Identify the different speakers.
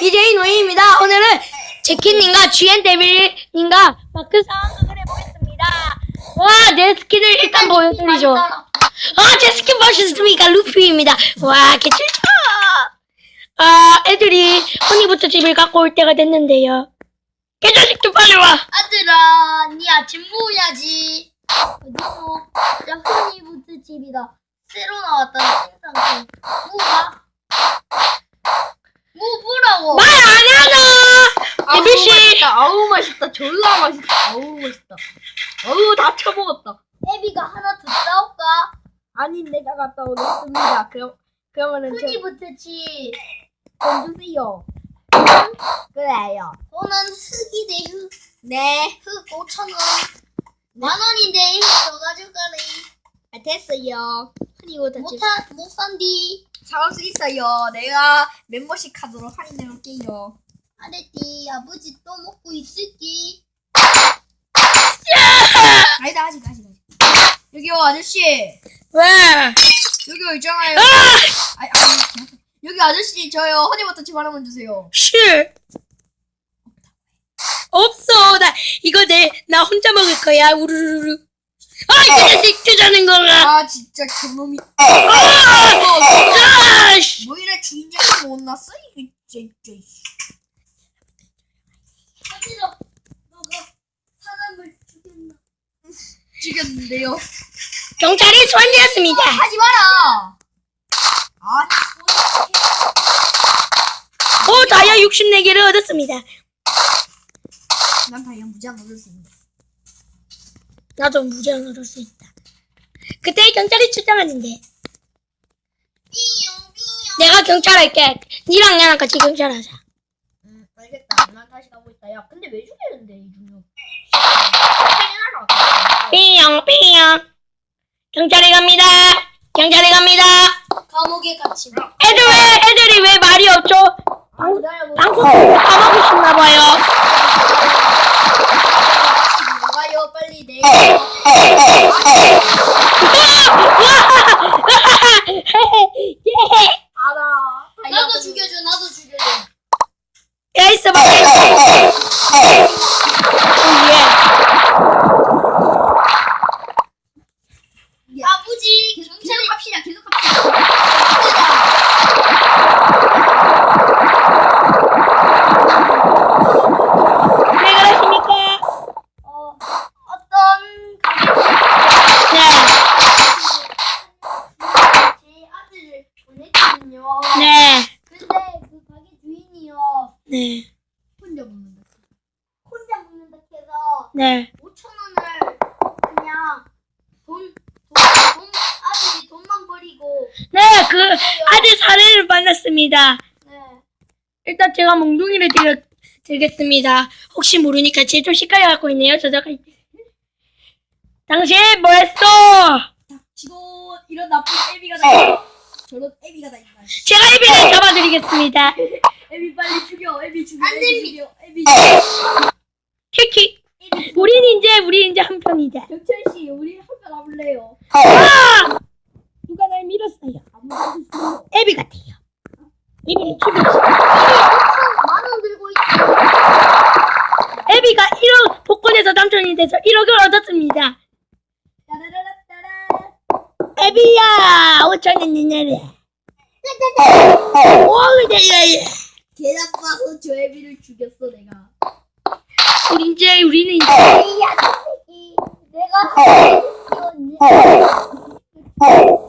Speaker 1: BJ 노이입니다. 오늘은 제키님과 GN데빌님과 마크 상황극을 해보겠습니다. 와, 내 스킨을 일단 보여드리죠. 제 스킨 보셨습니까? 루피입니다. 와, 개쩔죠? 애들이 허니부터 집을 갖고 올 때가 됐는데요. 개자식들 빨리 와!
Speaker 2: 아들아, 니 아침 먹어야지. 어디서? 자, 허니부트 집이다. 새로 나왔다는 생상품. 뭐가? 뭐 보라고?
Speaker 1: 말 안 하나! 데빌씨!
Speaker 3: 아우 맛있다. 졸라 맛있다. 아우 맛있다. 아우 다 처먹었다.
Speaker 2: 애비가 하나 더 싸울까?
Speaker 3: 아니 내가 갔다 오겠습니다. 그러면은
Speaker 2: 허니부트 집.
Speaker 3: 좀 주세요. 그래요.
Speaker 2: 저는 흙이 대 흙.
Speaker 3: 네.
Speaker 2: 흙 5,000원. 10,000원인데 더 가져가래.
Speaker 3: 됐어요. 그리고
Speaker 2: 못 산디.
Speaker 3: 사올 수 있어요. 내가 멤버십 카드로 할인해 놓을게요.
Speaker 2: 아래띠 아버지 또 먹고 있을지.
Speaker 3: 아니다 아직. 여기요 아저씨.
Speaker 1: 왜?
Speaker 3: 여기요 있잖아요. 여기 아저씨 저요 허니버터 하나만 주세요.
Speaker 1: 실 없어. 나 혼자 먹을 거야. 우르르르. 이 자식 주자는 거가.
Speaker 3: 아 진짜 그놈이.
Speaker 1: 씨.
Speaker 3: 뭐 이래 주인장이 못 났어 이게 진짜.
Speaker 2: 아들아, 너가 사람을 죽였나?
Speaker 3: 죽였는데요.
Speaker 1: 경찰이 소환되었습니다.
Speaker 3: 하지 마라.
Speaker 1: 다이아 64개를 얻었습니다.
Speaker 3: 난 다이아 무제한 얻었습니다.
Speaker 1: 나도 무제한 얻을 수 있다. 그때 경찰이 출장하는데 내가 경찰 할게. 니랑 나랑 같이 경찰하자.
Speaker 3: 알겠다. 난 다시 가고 있다. 야 근데 왜 죽이는데 이 중요?
Speaker 1: 삐용. 경찰에 갑니다.
Speaker 2: 감옥에 갇힌.
Speaker 1: 애들이 왜 말이 없죠? 방송 까먹고 싶나봐요.
Speaker 3: 가요 빨리 내. 알아.
Speaker 2: 나도 죽여줘.
Speaker 1: 야, 있어봐.
Speaker 2: 아버지,
Speaker 3: 계속 합시다.
Speaker 1: 왜 그러십니까?
Speaker 2: 어떤 제 아들을 보냈거든요.
Speaker 1: 네.
Speaker 2: 근데 그 가게 주인이요.
Speaker 1: 네.
Speaker 3: 혼자 먹는다.
Speaker 2: 혼자 먹는다 해서
Speaker 1: 네.
Speaker 2: 5,000원을 그냥 아들이 돈만 버리고.
Speaker 1: 네, 그 아들 사례를 만났습니다.
Speaker 2: 네.
Speaker 1: 일단 제가 몽둥이를 드리겠습니다. 혹시 모르니까 제 좀 시까지 갖고 있네요. 저자가 당신 뭐했어?
Speaker 3: 지고 이런 나쁜 애비가 다 있다. 저런 애비가 다 있다.
Speaker 1: 제가 애비를 잡아드리겠습니다.
Speaker 3: 애비 빨리 죽여. 애비 죽여.
Speaker 2: 안 됩니다.
Speaker 3: 애비 죽여.
Speaker 1: 키키. 우린 이제 한 편이다.
Speaker 3: 경철 씨, 우리 한편 와볼래요?
Speaker 1: 누가 날 밀었어요.
Speaker 3: 아무도
Speaker 1: 애비 같아요. 애비를 죽였어.
Speaker 2: 10,000원 들고 있다.
Speaker 1: 애비가 1억 복권에서 당첨이 돼서 1억을 얻었습니다.
Speaker 3: 따라라라따라.
Speaker 1: 애비야, 5,000원 내놔라. 오늘이야.
Speaker 3: 개 나빠서 저 애비를 죽였어 내가.
Speaker 1: 우리는 이제
Speaker 2: 이 아저씨, 내가